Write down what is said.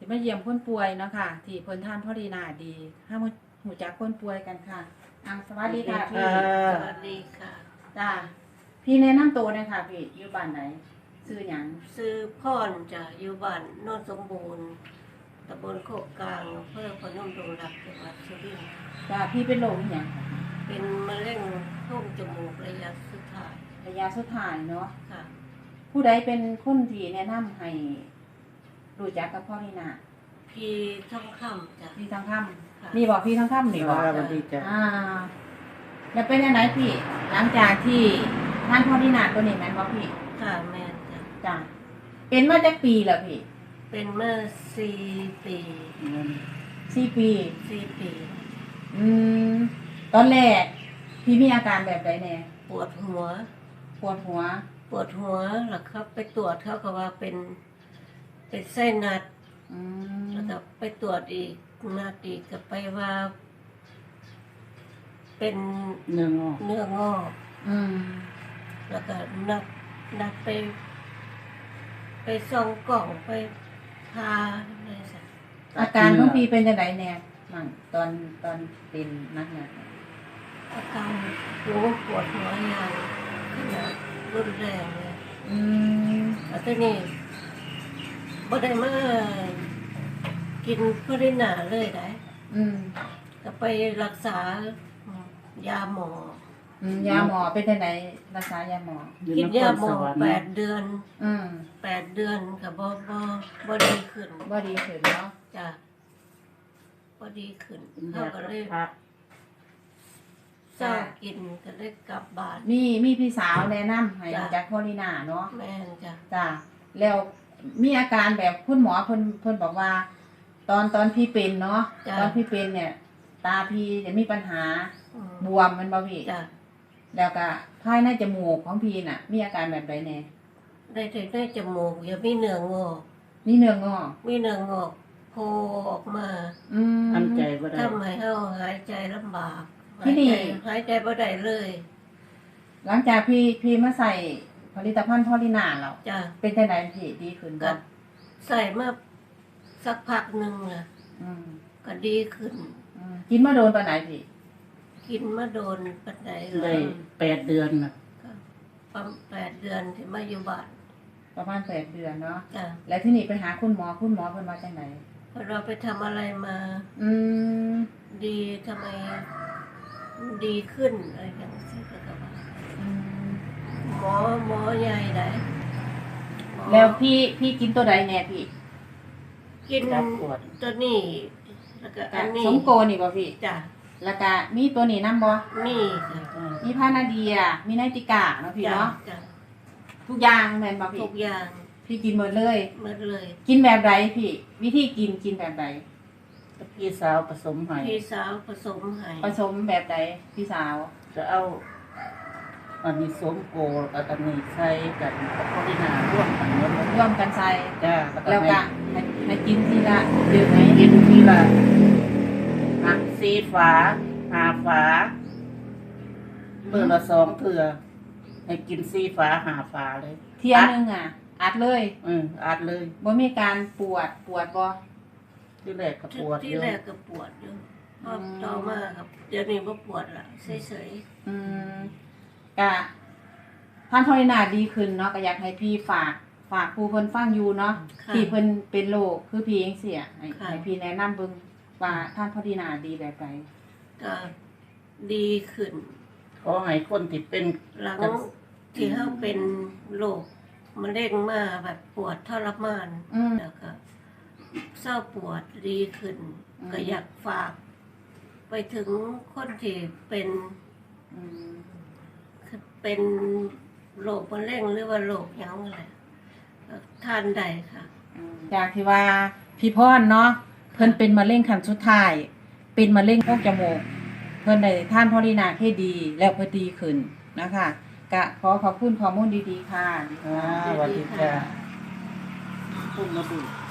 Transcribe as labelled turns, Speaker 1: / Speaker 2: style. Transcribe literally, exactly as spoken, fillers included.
Speaker 1: มาเยี่ยมคนป่วยเนาะค่ะที่เพิ่นท่านพ่อดีนาดีห้ามาหูจักคนป่วยกันค่ะอ่าสวัสดีค่ะพี่
Speaker 2: สวัสดีค่ะ
Speaker 1: จ้าพี่แนะนำตัวหน่อยค่ะพี่อยู่บ้านไหนชื่อหยัง
Speaker 2: ซื้อพรจะอยู่บ้านโนนสมบูรณ์ตำบลโคกกลางอำเภอพนมดงรักจังหวัดสุรินทร์
Speaker 1: จ้าพี่เป็นโรคอิหยัง
Speaker 2: เป็นมะเร็งโพรงจมูกระยะสุดท้าย
Speaker 1: ระยะสุดท้ายเนาะ
Speaker 2: ค่ะ
Speaker 1: ผู้ใดเป็นคนที่แนะนำให้รู้จักกับพ่อดีนา
Speaker 2: พี่ท่องคำจ้ะ
Speaker 1: พี่ทองค
Speaker 2: ค่ะ
Speaker 1: ำมีบอกพี่ทองคำนี่บอก
Speaker 3: สวัสดีจ้ะ
Speaker 1: อ่าแล้วเป็นยังไงพี่ หลังจากที่ท่านพ่อดีนาตัวนี้แม่นบ่พี่
Speaker 2: ค่ะแม่นจ้ะ
Speaker 1: จ้าเป็นมาจากปีแล้วพี่
Speaker 2: เป็นเมื่อสี่ปี
Speaker 1: สี่ปี
Speaker 2: สี่ปี
Speaker 1: อืมตอนแรกพี่มีอาการแบบใดแน่
Speaker 2: ปวดหัว
Speaker 1: ปวดหัว
Speaker 2: ปวดหัวแล้วครับไปตรวจเขาก็ว่าเป็นเป็นไส้นัด
Speaker 1: อืม
Speaker 2: แล้วก็ไปตรวจอีกนัดอีกก็ไปว่า เป็น
Speaker 3: เนื้องอก
Speaker 2: เนื้องอก
Speaker 1: อืม
Speaker 2: แล้วก็นัดนัดไป ไปส่องกล่องไปพาอะไรสัก
Speaker 1: อาการของพี่เป็นจังไดแน่มั่งตอนตอนเป็นนักหนัก
Speaker 2: อาการหัวปวดหัวอย่างขนาดรุนแรงเลย
Speaker 1: อืม
Speaker 2: แล้วทีนี้บ่ได้มากินพรินาเลยได้
Speaker 1: อืม
Speaker 2: ก็ไปรักษายาหมอ
Speaker 1: อืมยาหมอเป็นจังไดรักษายาหมอ
Speaker 3: อยู่
Speaker 2: กิน
Speaker 3: นค
Speaker 2: ยาร หม
Speaker 3: ส
Speaker 2: อ
Speaker 3: วรรค์
Speaker 2: แปดเดือน
Speaker 1: อืม
Speaker 2: แปดเดือนก็บ่บ่บ่ดีขึ้น
Speaker 1: บ่ดีขึ้นเนาะ
Speaker 2: จ้ะบ่ดีขึ้น
Speaker 3: เป็น
Speaker 2: เขา
Speaker 3: ยา
Speaker 2: ก็เลย
Speaker 3: พระ
Speaker 2: เศร้ากินก็เลยกลับบ้าน
Speaker 1: มีมีพี่สาวแนะนำให้
Speaker 2: จ้ะ
Speaker 1: รู้จักพ่อลีนาเนาะ
Speaker 2: แม่นจ้ะ
Speaker 1: จ้ะแล้วมีอาการแบบคุณหมอเพิ่นเพิ่นบอกว่า ตอนตอนพี่เป็นเนาะตอนพี่เป็นเนี่ย ตาพี่จะมีปัญหา
Speaker 2: อืม
Speaker 1: บวมมันบ่พี่
Speaker 2: จ้ะ
Speaker 1: แล้วก็ภายในจมูกของพี่น่ะ มีอาการแบบใดแน่
Speaker 2: ได้แต่ได้จมูกอย่ามีเนื้องอก
Speaker 1: มีเนื้องอก
Speaker 2: มีเนื้องอกโผล่ออกมา
Speaker 1: อืม
Speaker 3: ทำใจบ่ได้
Speaker 2: ทำให้เฮาหายใจลำบาก
Speaker 1: ที่นี่
Speaker 2: หายใจหายใจบ่ได้เลย
Speaker 1: หลังจากพี่พี่มาใส่ผลิตภัณฑ์พ่อลีนาแล้ว
Speaker 2: จ้ะ
Speaker 1: เป็นจังไดพี่ดีขึ้น
Speaker 2: ก็
Speaker 1: บ่
Speaker 2: ใส่มาสักพักหนึงน่ะ
Speaker 1: อืม
Speaker 2: ก็ดีขึ้น
Speaker 1: อืมกินมาโดนปานไหนพี่
Speaker 2: กินมาโดนปันไดเล
Speaker 3: ได้
Speaker 2: ย
Speaker 3: แปดเดือนน่ะ
Speaker 2: ก็ประมาณแปดเดือนที่มาอยู่บ้าน
Speaker 1: ประมาณแปดเดือนเนาะ
Speaker 2: จ้ะ
Speaker 1: แล้วที่นี่ไปหาคุณหมอคุณหมอเพิ่นว่าจังได
Speaker 2: พอเราไปทำอะไรมา
Speaker 1: อืม
Speaker 2: ดีทำไมดีขึ้นอะไรอย่างนี้ก็ก็ว่า
Speaker 1: อืม
Speaker 2: หมอหมอใหญ่ไหนหมอ
Speaker 1: แล้วพี่พี่กินตัวใดแน่พี่
Speaker 2: กิน
Speaker 3: จับปวด
Speaker 2: ตัวนี้แล้วก็อันนี้
Speaker 1: สมโกนี่บ่พี่
Speaker 2: จ้ะ
Speaker 1: แล้วก็มีตัวนี้นํบ่
Speaker 2: นี่จ้ะ
Speaker 3: อ่า
Speaker 1: มีพานาเดีย มีไนติกาเนาะพี่
Speaker 2: จ้ะ
Speaker 1: เนาะ
Speaker 2: จ้ะ
Speaker 1: ทุกอย่างแม่นบ่พี่
Speaker 2: ทุกอย่าง
Speaker 1: พี่กินหมดเลย
Speaker 2: หมดเลย
Speaker 1: กินแบบใดพี่ วิธีกินกินแบบใด
Speaker 3: พี่สาวผสมให้
Speaker 2: พี่สาวผสมให้
Speaker 1: ผสมแบบใดพี่สาว
Speaker 3: จะเอาอันนี้สวมโกกับอันนี้ใส่กันกับพอดีนาร่วมกันหมดเลย
Speaker 1: ร่วมกันใส่
Speaker 3: จ้า
Speaker 1: แล้วก็ให้ให้กินทีละดื่มไหม
Speaker 3: ให้กินทีละหักสีฝาหาฝาเมื่อละสองเถื่อให้กินสีฝาหาฝาเลย
Speaker 1: เที่ยนึงอ่ะ อัดเลย
Speaker 3: อืมอัดเลย
Speaker 1: บ่มีการปวดปวดบ่
Speaker 3: ที่แรกก็ปวด
Speaker 2: ที่
Speaker 3: เยอะ
Speaker 2: แรกก็ปวดอยู่พอ
Speaker 1: อืม
Speaker 2: ต่อมาครับ เดี๋ยวนี้บ่ปวดละเฉย
Speaker 1: อืมกะท่านพอลินาดีขึ้นเนาะก็อยากให้พี่ฝาก ฝากผู้เพิ่นฟังอยู่เนาะ
Speaker 2: ๆค่ะ
Speaker 1: ที่เพิ่นเป็นโรคคือพี่เองเสียให้
Speaker 2: ค่ะ
Speaker 1: ให้พี่แนะนำเบิ่งว่าท่านพอลินาดีแบบใด
Speaker 2: ก็ดีขึ้น
Speaker 3: ขอให้คนที่เป็น
Speaker 2: หลังที่เขาเป็นโรคมะเร็งมาแบบปวดทรมาน
Speaker 1: อืม
Speaker 2: แล้วก็เศร้าปวดดีขึ้น
Speaker 1: อืม
Speaker 2: ก็อยากฝาก ไปถึงคนที่เป็น
Speaker 1: อืม
Speaker 2: เป็นโรคมะเร็งหรือว่าโรคหยังอะไรก็ทานได้ค่ะ
Speaker 1: อืมจากที่ว่าพี่พรเนาะเพิ่นเป็นมะเร็งขั้นสุดท้าย เป็นมะเร็งโพรงจมูกเพิ่นได้ท่านพอลินาให้ดี แล้วเพิ่นดีขึ้นนะคะกะขอขอบคุณข้อมูลดีๆค่ะ
Speaker 3: อ่าสวัสดีจ้าพุ่งมาดู